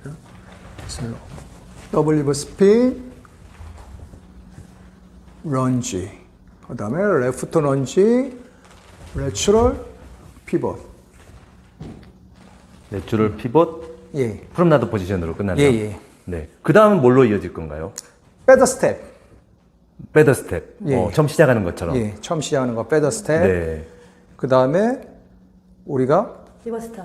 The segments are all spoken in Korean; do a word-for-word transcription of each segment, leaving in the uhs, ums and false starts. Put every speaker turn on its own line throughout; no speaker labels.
슬로우. 더블 리버 스핀, 런지. 그 다음에 레프트 런지, 내추럴 피벗.
내추럴 피벗,
예.
프롬나드 포지션으로 끝나네요.
예, 예.
네. 그 다음은 뭘로 이어질 건가요?
백더 스텝.
배더 스텝.
예.
어, 처음 시작하는 것처럼.
예, 처음 시작하는 거 백더 스텝.
네.
그 다음에 우리가
리버스터.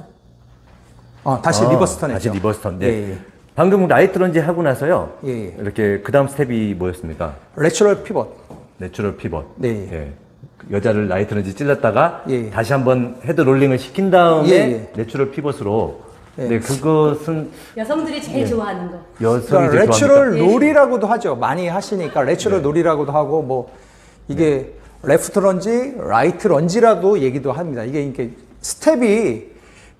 어, 다시
아,
리버스턴
다시
했죠.
리버스턴. 네.
예, 예.
방금 라이트 런지 하고 나서요.
예, 예.
이렇게 그 다음 스텝이 뭐였습니까?
내추럴 피벗.
내추럴 피벗.
네.
예. 여자를 라이트 런지 찔렀다가
예.
다시 한번 헤드 롤링을 시킨 다음에
예, 예.
내추럴 피벗으로.
예.
네, 그것은
여성들이 제일 좋아하는 거.
여성이
그러니까
제일
레추럴
좋아합니까?
롤이라고도 하죠. 많이 하시니까 레추럴
네.
롤이라고도 하고 뭐 이게 레프트 런지, 라이트 런지라도 얘기도 합니다. 이게 이게 스텝이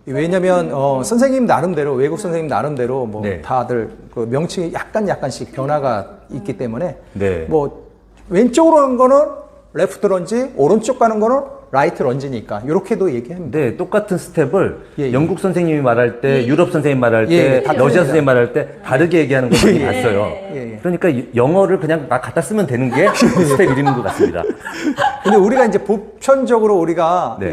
왜냐면 어, 선생님 나름대로 외국 선생님 나름대로 뭐
네.
다들 그 명칭이 약간 약간씩 변화가 있기 때문에
네.
뭐 왼쪽으로 가는 거는 레프트 런지, 오른쪽 가는 거는 라이트 런지니까 이렇게도 얘기합니다.
네, 똑같은 스텝을
예, 예.
영국 선생님이 말할 때,
예.
유럽 선생님 말할
예,
때,
예, 다
러시아
틀립니다.
선생님 말할 때 다르게 얘기하는 걸 많이
예, 예.
봤어요.
예, 예.
그러니까 이- 영어를 그냥 막 갖다 쓰면 되는 게 스텝 이름인 것 같습니다.
근데 우리가 이제 보편적으로 우리가
네.
이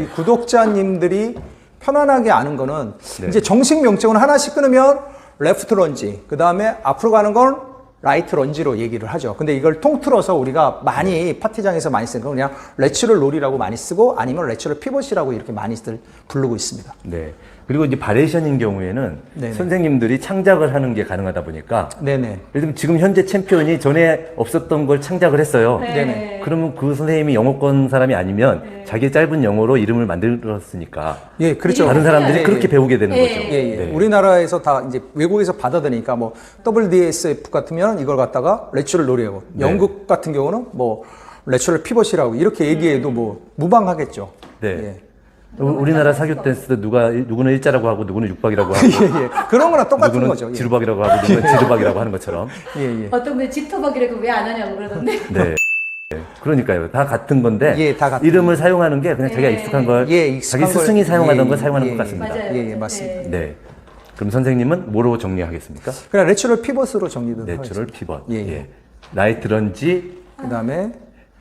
구독자님들이 편안하게 아는 거는
네.
이제 정식 명칭은 하나씩 끊으면 레프트 런지, 그 다음에 앞으로 가는 건 라이트 런지로 얘기를 하죠. 근데 이걸 통틀어서 우리가 많이 파티장에서 많이 쓰는 건 그냥 레추럴 롤이라고 많이 쓰고 아니면 레추럴 피벗이라고 이렇게 많이들 부르고 있습니다.
네. 그리고 이제 바레이션인 경우에는
네네.
선생님들이 창작을 하는 게 가능하다 보니까
네네.
예를 들면 지금 현재 챔피언이 전에 없었던 걸 창작을 했어요.
네.
네네.
그러면 그 선생님이 영어권 사람이 아니면
네.
자기의 짧은 영어로 이름을 만들었으니까
예, 그렇죠.
다른 사람들이
예,
그렇게
예.
배우게 되는
예.
거죠.
예, 예.
네.
우리나라에서 다 이제 외국에서 받아들이니까 뭐 더블유 디 에스 에프 같으면 이걸 갖다가 레추럴 롤이라고,
네.
영국 같은 경우는 뭐 레추럴 피벗이라고 이렇게 얘기해도 뭐 무방하겠죠.
네.
예.
우- 우리나라 사교 댄스 때 누가 누구는 일자라고 하고 누구는 육박이라고 하고
예, 예. 그런 거랑 똑같은
누구는
거죠. 예.
지루박이라고 하고 누구는 지루박이라고 하는 것처럼.
예, 예.
어떤 분이 지터박이라고 왜 안 하냐고 그러던데.
네. 네. 그러니까요. 다 같은 건데
예, 다 같은
이름을 사용하는 게 그냥 자기가
예.
익숙한 걸
예, 익숙한
자기 스승이
걸-
사용하던
예,
걸 사용하는
예,
것 같습니다.
맞아요.
예, 예, 맞습니다.
네.
네. 그럼 선생님은 뭐로 정리하겠습니까?
그냥 레추럴 피벗으로 정리도
내추럴
하겠습니다.
피벗.
예, 예.
예. 라이트 런지,
그 다음에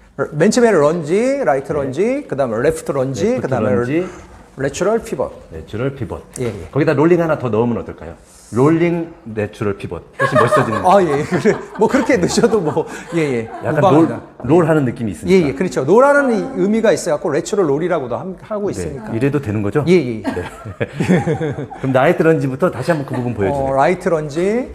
맨 처음에 런지, 라이트 런지, 그 다음에 레프트 런지,
레프트
그 다음에
런지.
레추럴 피벗.
내추럴 피벗.
예, 예.
거기다 롤링 하나 더 넣으면 어떨까요? 롤링 내추럴 피벗. 훨씬 멋있어지는.
아, 예, 그래. 뭐 그렇게 넣으셔도 뭐, 예, 예.
약간
무방합니다.
롤, 롤 하는 느낌이
예,
있으니까.
예, 그렇죠. 노라는 이 의미가 있어갖고 레추럴 롤이라고도 함- 하고 있으니까.
네. 이래도 되는 거죠?
예, 예.
그럼 라이트 런지부터 다시 한번 그 부분 보여주세요.
어, 라이트 런지,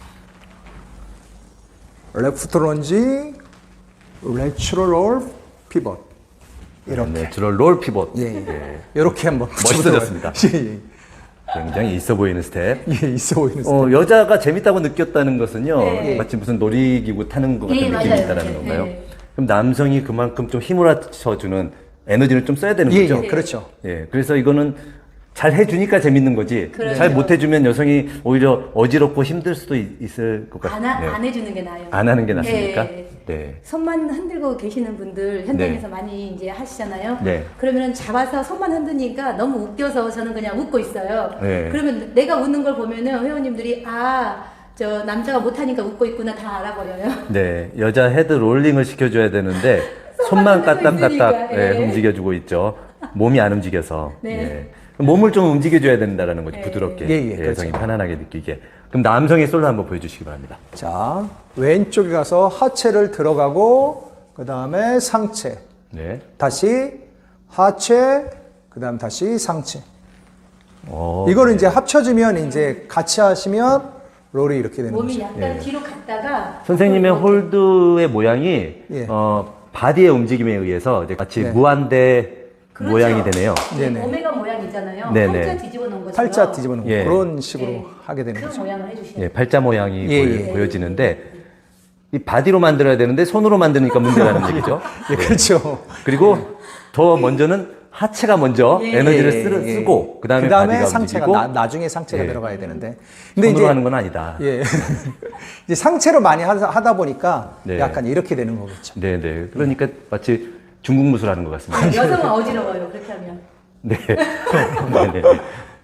레프트 런지, 레추럴 롤, 피벗. 이렇게.
내추럴 롤 피벗.
예, 예.
예.
이렇게 한번
멋있어졌습니다.
붙여보도록 예,
굉장히 있어 보이는 스텝.
예. 예, 있어 보이는
어, 여자가 재밌다고 느꼈다는 것은요,
네.
마치 무슨 놀이기구 타는 것 같은
예,
느낌이
맞아요.
있다는
네,
건가요?
네.
그럼 남성이 그만큼 좀 힘을 합쳐주는 에너지를 좀 써야 되는
예,
거죠?
예, 그렇죠.
예, 그래서 이거는 잘 해주니까 재밌는 거지.
그렇죠.
잘 못해주면 여성이 오히려 어지럽고 힘들 수도 있, 을것
안,
같아요.
하,
네.
안 해주는 게 나아요.
안 하는 게 낫습니까?
네.
네.
손만 흔들고 계시는 분들 현장에서 많이 이제 하시잖아요.
네.
그러면 잡아서 손만 흔드니까 너무 웃겨서 저는 그냥 웃고 있어요.
네.
그러면 내가 웃는 걸 보면은 회원님들이 아, 저 남자가 못하니까 웃고 있구나 다 알아버려요.
네, 여자 헤드 롤링을 시켜줘야 되는데 손만
손만 흔들고
까딱까딱
있으니까,
예,
예.
움직여주고 있죠. 몸이 안 움직여서.
네.
예. 몸을 좀 움직여줘야 된다는 거죠.
네.
부드럽게.
예, 예,
여성이
그렇죠.
편안하게 느끼게. 그럼 남성의 솔로 한번 보여주시기 바랍니다.
자, 왼쪽에 가서 하체를 들어가고, 그 다음에 상체.
네.
다시 하체, 그 다음 다시 상체.
어,
이거를 이제 합쳐주면 이제 같이 하시면 롤이 이렇게 되는
몸이
거죠.
약간
예.
뒤로 갔다가
선생님의
이렇게.
홀드의 모양이
예.
어, 바디의 움직임에 의해서 이제 같이
네.
무한대
그렇죠.
모양이 되네요.
네네.
오메가 모양 있잖아요.
네네.
팔자 뒤집어 놓은 것처럼.
팔자 뒤집어 놓은
예.
그런 식으로
예.
하게 되는
그
거죠.
모양을 해주시면
예, 팔자 모양이
예,
보여,
예.
보여지는데 이 바디로 만들어야 되는데 손으로 만드니까 문제라는 얘기죠.
예, 그렇죠.
그리고 더 먼저는 하체가 먼저
예.
에너지를
예,
쓰,
예.
쓰고 그 다음에
그다음에
바디가
상체가
움직이고
나, 나중에 상체가
예.
들어가야 되는데.
손으로 하는 건 아니다.
예. 이제 상체로 많이 하다, 하다 보니까
네.
약간 이렇게 되는 거겠죠.
네네. 그러니까 마치 중국 무술 하는 것 같습니다.
여성은 어지러워요. 그렇게 하면.
네. 네네.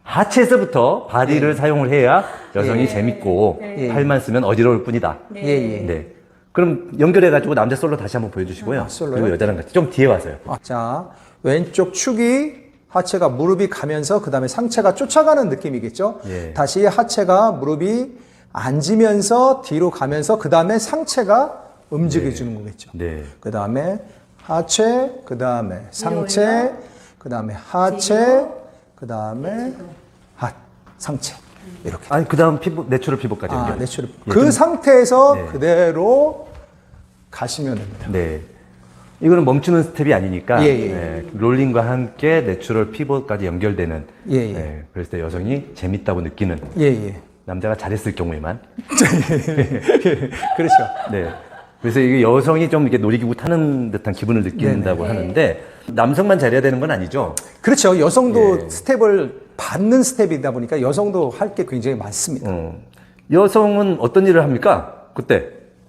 하체에서부터 바디를 사용을 해야 여성이
예.
재밌고
예.
팔만 쓰면 어지러울 뿐이다.
네.
예, 예.
네. 그럼 연결해가지고 남자 솔로 다시 한번 보여주시고요.
아, 솔로요?
그리고 여자랑 같이 좀 뒤에 와서요.
아, 자, 왼쪽 축이 하체가 무릎이 가면서 그 다음에 상체가 쫓아가는 느낌이겠죠.
예.
다시 하체가 무릎이 앉으면서 뒤로 가면서 그 다음에 상체가 움직여주는 거겠죠.
네.
그 다음에 하체, 그 다음에 상체,
올려.
그 다음에 하체, 그 다음에 하 상체 이렇게.
아니 그 다음 피부 내추럴 피부까지
아,
연결.
내추럴.
예,
그
좀-
상태에서
네.
그대로 가시면 됩니다.
네. 이거는 멈추는 스텝이 아니니까
예, 예.
네, 롤링과 함께 내추럴 피부까지 연결되는.
예, 예.
네, 그래서 때 여성이 재밌다고 느끼는
예, 예.
남자가 잘했을 경우에만.
그렇죠.
네. 그래서 이게 여성이 좀 이렇게 놀이기구 타는 듯한 기분을 느낀다고
네네.
하는데 남성만 잘해야 되는 건 아니죠.
그렇죠. 여성도
예.
스텝을 받는 스텝이다 보니까 여성도 할 게 굉장히 많습니다.
어. 여성은 어떤 일을 합니까? 그때.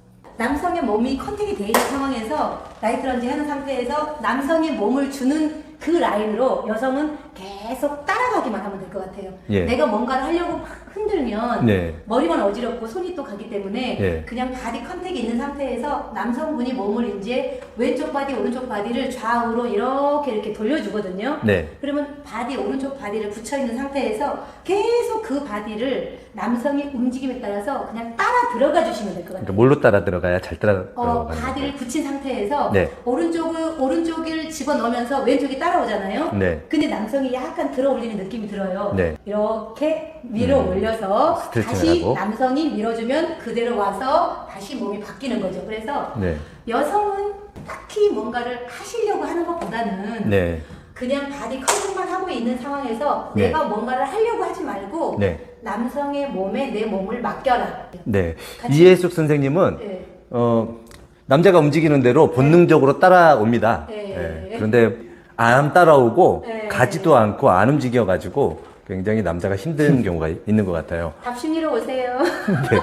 남성의 몸이 컨택이 돼 있는 상황에서 라이트 런지 하는 상태에서 남성의 몸을 주는 그 라인으로 여성은 계속 따라가기만 하면 될 것 같아요.
예.
내가 뭔가를 하려고 막 흔들면
네.
머리만 어지럽고 손이 또 가기 때문에
예.
그냥 바디 컨택이 있는 상태에서 남성분이 몸을 이제 왼쪽 바디 오른쪽 바디를 좌우로 이렇게 이렇게 돌려주거든요.
네.
그러면 바디 오른쪽 바디를 붙여 있는 상태에서 계속 그 바디를 남성의 움직임에 따라서 그냥 따라 들어가 주시면 될 것 같아요.
그러니까 뭘로 따라 들어가야 잘 따라
어,
들어가는
바디를
거예요?
붙인 상태에서
네.
오른쪽을 오른쪽을 집어 넣으면서 왼쪽이 따라오잖아요.
네.
근데 남성이 약간 들어 올리는 느낌이 들어요.
네.
이렇게 밀어
음,
올려서
스트레칭을
다시
하고.
남성이 밀어주면 그대로 와서 다시 몸이 바뀌는 거죠. 그래서
네.
여성은 딱히 뭔가를 하시려고 하는 것보다는
네.
그냥 바디 컨택만 하고 있는 상황에서
네.
내가 뭔가를 하려고 하지 말고
네.
남성의 몸에 내 몸을 맡겨라.
네.
같이-
이해숙 선생님은
네.
어, 남자가 움직이는 대로 본능적으로 따라옵니다.
네.
예. 그런데 안 따라오고
네.
가지도 않고 안 움직여가지고 굉장히 남자가 힘든 경우가 있는 것 같아요.
답심이로 오세요.
네.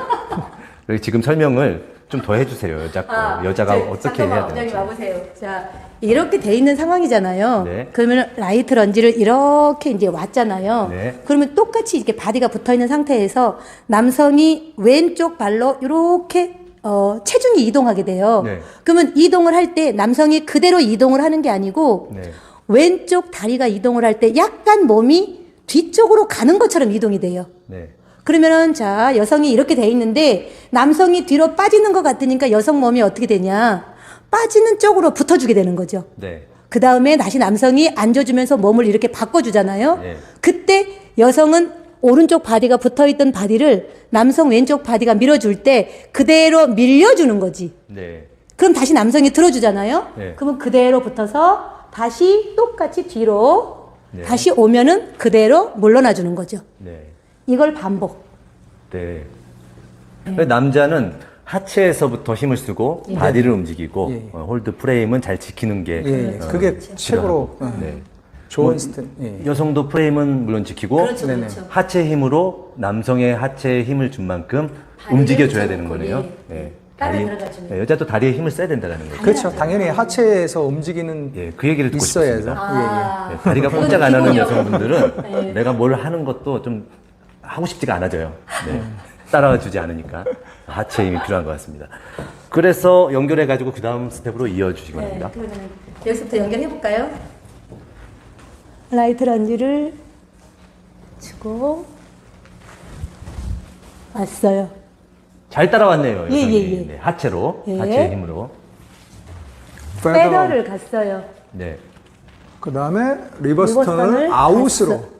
그래서 지금 설명을 좀 더 해주세요. 여자 거.
아,
여자가
저,
어떻게
잠깐만,
해야
원장님
되는지.
와보세요. 자, 이렇게 돼 있는 상황이잖아요.
네.
그러면 라이트 런지를 이렇게 이제 왔잖아요.
네.
그러면 똑같이 이렇게 바디가 붙어 있는 상태에서 남성이 왼쪽 발로 이렇게 어, 체중이 이동하게 돼요.
네.
그러면 이동을 할 때 남성이 그대로 이동을 하는 게 아니고
네.
왼쪽 다리가 이동을 할 때 약간 몸이 뒤쪽으로 가는 것처럼 이동이 돼요.
네.
그러면은 자 여성이 이렇게 돼 있는데 남성이 뒤로 빠지는 것 같으니까 여성 몸이 어떻게 되냐 빠지는 쪽으로 붙어주게 되는 거죠.
네.
그 다음에 다시 남성이 앉아주면서 몸을 이렇게 바꿔주잖아요.
네.
그때 여성은 오른쪽 바디가 붙어있던 바디를 남성 왼쪽 바디가 밀어줄 때 그대로 밀려주는 거지.
네.
그럼 다시 남성이 들어주잖아요.
네.
그러면 그대로 붙어서 다시 똑같이 뒤로
네.
다시 오면은 그대로 물러나 주는 거죠.
네.
이걸 반복.
네. 남자는 하체에서부터 힘을 쓰고
예.
바디를 움직이고
예.
어, 홀드 프레임은 잘 지키는 게
예, 예.
어,
그게 최고로 어,
네.
좋은
뭐,
스텝. 예.
여성도 프레임은 물론 지키고
그렇죠,
네네.
그렇죠.
하체 힘으로 남성의 하체에 힘을 준 만큼
다리를
움직여줘야
붙여놓고,
되는 거네요.
예.
네.
따라
다리-
들어가주는.
네, 여자도 다리에 힘을 써야 된다는 거예요.
그렇죠. 당연히 하체에서 움직이는
예, 그 얘기를 듣고
있어야죠.
싶습니다.
아,
네, 다리가
그건
꼼짝 안 하는
기본이요.
여성분들은
네.
내가 뭘 하는 것도 좀 하고 싶지가 않아져요. 네. 따라와 주지 않으니까 하체 힘이 필요한 것 같습니다. 그래서 연결해가지고 그 다음 스텝으로 이어주시기
네,
바랍니다.
그러면 여기서부터 연결해 볼까요? 라이트 런지를 주고 왔어요.
잘 따라왔네요.
예,
여성이.
예, 예.
네, 하체로,
예.
하체의 힘으로.
페더.
페더를 갔어요.
네.
그 다음에 리버스 턴을
리버스 턴을
아웃으로.
갔어.